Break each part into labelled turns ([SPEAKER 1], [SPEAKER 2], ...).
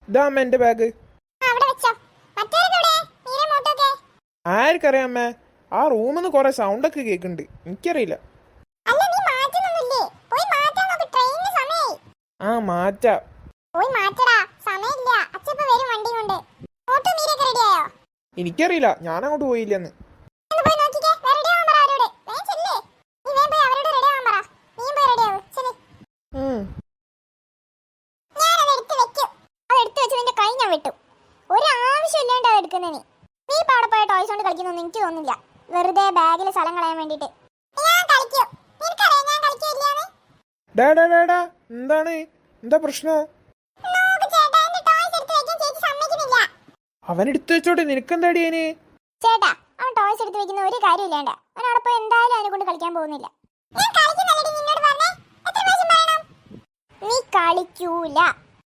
[SPEAKER 1] ഇതാ അമ്മ എന്റെ ബാഗ്. ആർക്കറിയാം അമ്മ, ആ റൂമിൽ നിന്ന് കൊറേ സൗണ്ടൊക്കെ കേൾക്കുന്നുണ്ട്, എനിക്കറിയില്ല. ആ മാറ്റാം. എനിക്കറിയില്ല, ഞാൻ അങ്ങോട്ട് പോയില്ലെന്ന്.
[SPEAKER 2] എനിക്ക് തോന്നുന്നില്ല, വെറുതെ ബാഗിൽ സ്ഥലം കളയാൻ വേണ്ടിട്ട്.
[SPEAKER 1] എന്താണ്, എന്താ പ്രശ്നം? അവൻ എടുത്തു വെച്ചോട്ടെ, നിനക്കെന്താടി അതിന്?
[SPEAKER 2] ചേട്ടാ, അവൻ ടോയ്സ് എടുത്ത് വെക്കുന്ന ഒരു കാര്യമില്ലാണ്ട അവൻ അവിടെ പോയി എന്തായാലും അതിനെ കൊണ്ട് കളിക്കാൻ പോകുന്നില്ല. നീ കളിക്കൂല.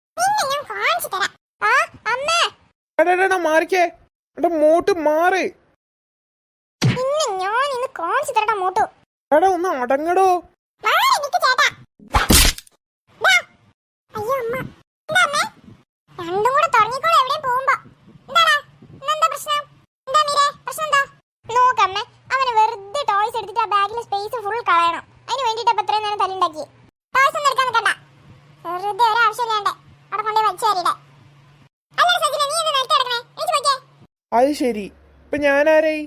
[SPEAKER 1] മാറിക്കേ, എന്റെ മോട്ട് മാറ്.
[SPEAKER 2] ഞാൻ ഇന്ന് കാണിച്ചു തരടാ മോട്ടു.
[SPEAKER 1] എടാ ഒന്ന് അടങ്ങടോ.
[SPEAKER 2] രണ്ടും കൂടെ തുടങ്ങിക്കോളൂ എവിടെയും പോകുമ്പോ. നോക്കമ്മേ, അവന് വെറുതെ ടോയ്സ് എടുത്തിട്ട് ആ ബാഗിലെ സ്പേസ് ഫുൾ കളയണം. അതിന് വേണ്ടിട്ട് ഇപ്പൊ ഇത്രയും നേരം തല്ലുണ്ടാക്കി. ടോയ്സ് ഒന്നും എടുക്കാൻ നിൽക്കണ്ട, വെറുതെ ഒരാവശ്യമില്ലാണ്ട് അവിടെ കൊണ്ടേ വലിച്ചേരിടെ.
[SPEAKER 1] അത് ശരി, ഇപ്പൊ ഞാനാരായി?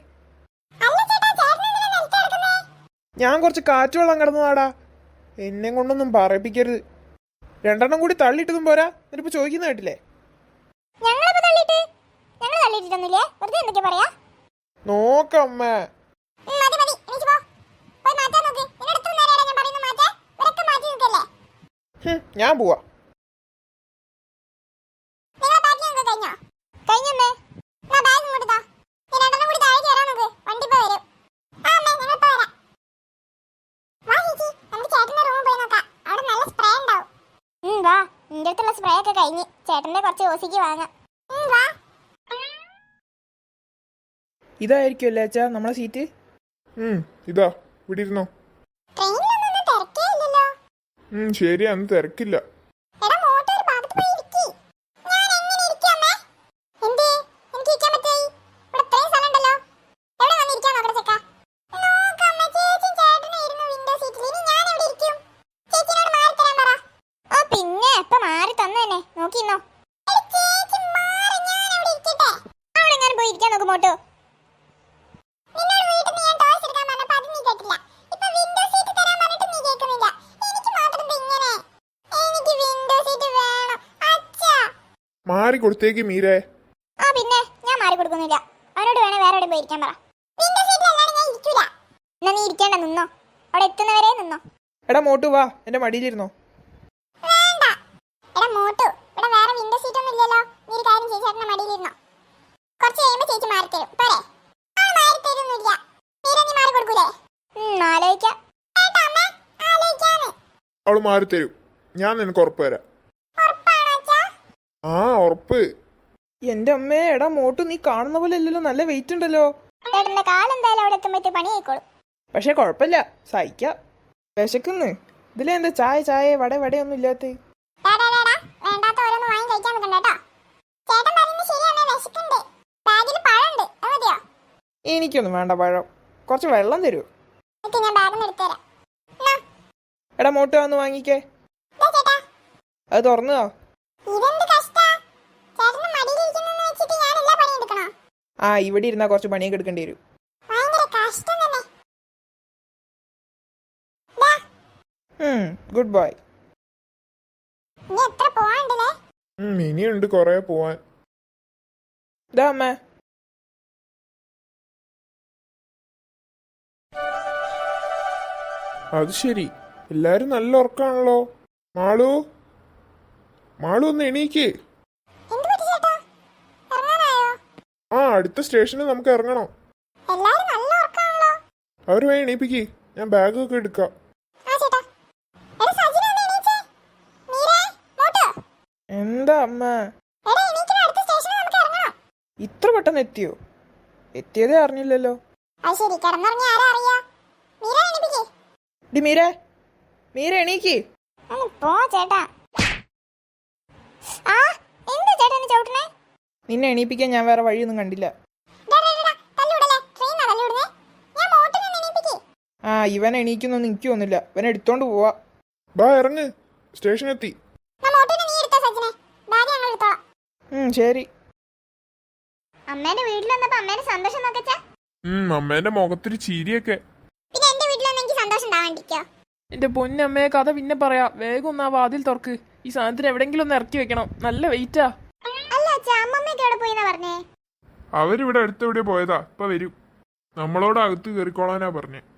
[SPEAKER 1] ഞാൻ കുറച്ച് കാറ്റുവെള്ളം കിടന്നതാടാ, എന്നെ കൊണ്ടൊന്നും പറയിപ്പിക്കരുത്. രണ്ടെണ്ണം കൂടി തള്ളിയിട്ടതും പോരാ, എന്നിട്ടിപ്പോ ചോദിക്കുന്ന കേട്ടില്ലേ? നോക്കമ്മ, ഞാൻ പോവാ.
[SPEAKER 2] സ്പ്രേ ഒക്കെ കഴിഞ്ഞ് ചേട്ടന്റെ കുറച്ച് ഓസിക്ക് വാങ്ങാം.
[SPEAKER 1] ഇതായിരിക്കുമല്ലേ അച്ഛാ നമ്മളെ സീറ്റ്?
[SPEAKER 3] ഇതാ ഇവിടെ ഇരുന്നോ. ശരി, അന്ന് തിരക്കില്ല. മാറി കൊടുത്തേക്ക് മീരേ.
[SPEAKER 2] പിന്നെ ഞാൻ മാറി കൊടുക്കുന്നില്ല, അവനോട് വേണേ വേറെ എവിടെ പോയി ഇരിക്കാൻ പറ. എന്നാ നീ ഇരിക്കേണ്ട, നിന്നോ, അവിടെ എത്തുന്നവരെ നിന്നോ.
[SPEAKER 1] എടാ മോട്ടു വാ, എന്റെ മടിയിലിരുന്നോ.
[SPEAKER 3] അവള് മാറി തരും, ഞാൻ നിനക്ക് ഉറപ്പ് തരാം. ആ ഉറപ്പ്.
[SPEAKER 1] എന്റെ അമ്മേ, എടാ മോട്ടു നീ കാണുന്ന പോലെ അല്ലല്ലോ, നല്ല വെയിറ്റ് ഉണ്ടല്ലോ. പക്ഷെ കൊഴപ്പില്ല, സഹിക്കാം. വിശക്കുന്ന്. ഇതിലെന്താ ചായ ചായ വട വടയൊന്നും ഇല്ലാത്ത? എനിക്കൊന്നും വേണ്ട പഴം, കുറച്ച് വെള്ളം തരൂ. എടാ മോട്ടു വന്ന് വാങ്ങിക്കേ. അത് തുറന്നോ? ആ ഇവിടെ ഇരുന്നാ കുറച്ച് പണിയൊക്കെ എടുക്കേണ്ടി വരും. Good bye.
[SPEAKER 3] ഇനിയുണ്ട് കൊറേ പോവാൻ.
[SPEAKER 1] ഇതാ അമ്മ.
[SPEAKER 3] അത് ശരി, എല്ലാരും നല്ല ഉറക്കാണല്ലോ. മാളു, മാളു ഒന്ന് എണീക്ക്. ആ അടുത്ത സ്റ്റേഷനിൽ നമുക്ക് ഇറങ്ങണം. അവര് വേഗം എണീപ്പിക്ക്, ഞാൻ ബാഗൊക്കെ എടുക്കാം.
[SPEAKER 1] എന്താ അമ്മ, ഇത്ര പെട്ടെന്ന് എത്തിയോ? എത്തിയതേ അറിഞ്ഞില്ലല്ലോ. മീര, മീര എണീക്ക്.
[SPEAKER 2] ചേട്ടാ
[SPEAKER 1] നിന്നെ എണീപ്പിക്കാൻ ഞാൻ വേറെ വഴിയൊന്നും കണ്ടില്ല. ആ ഇവൻ എണീക്കുന്നൊന്നും എനിക്കൊന്നുമില്ല. ഇവൻ എടുത്തോണ്ട് പോവാ.
[SPEAKER 3] ബാ ഇറങ്ങ്, സ്റ്റേഷനെത്തി.
[SPEAKER 1] ശരി.
[SPEAKER 2] അമ്മേന്റെ വീട്ടിൽ വന്നപ്പോ അമ്മേന്റെ സന്തോഷം നോക്കച്ചാ.
[SPEAKER 3] അമ്മേന്റെ മുഖത്തൊരു ചിരിയൊക്കെ.
[SPEAKER 2] പിന്നെ എന്റെ വീട്ടിൽ വന്ന് എനിക്ക് സന്തോഷം ഉണ്ടാവാണ്ടിരിക്കോ?
[SPEAKER 1] എന്റെ പൊന്നമ്മയെ കഥ പിന്നെ പറയാ. വേഗം ഒന്ന് ആ വാതിൽ തുറക്ക്. ഈ സാധനത്തിന് എവിടെങ്കിലും ഒന്ന് ഇറക്കി വെക്കണം. നല്ല വെയിറ്റാ.
[SPEAKER 2] അല്ല അച്ഛാ, അമ്മമ്മയൊക്കെ എവിടെ പോയിന്നാ പറഞ്ഞേ?
[SPEAKER 3] അവരിവിടെ അടുത്തെവിടെ പോയതാ, ഇപ്പൊ വരും. നമ്മളോട് അകത്ത് കയറിക്കോളാനാ പറഞ്ഞേ.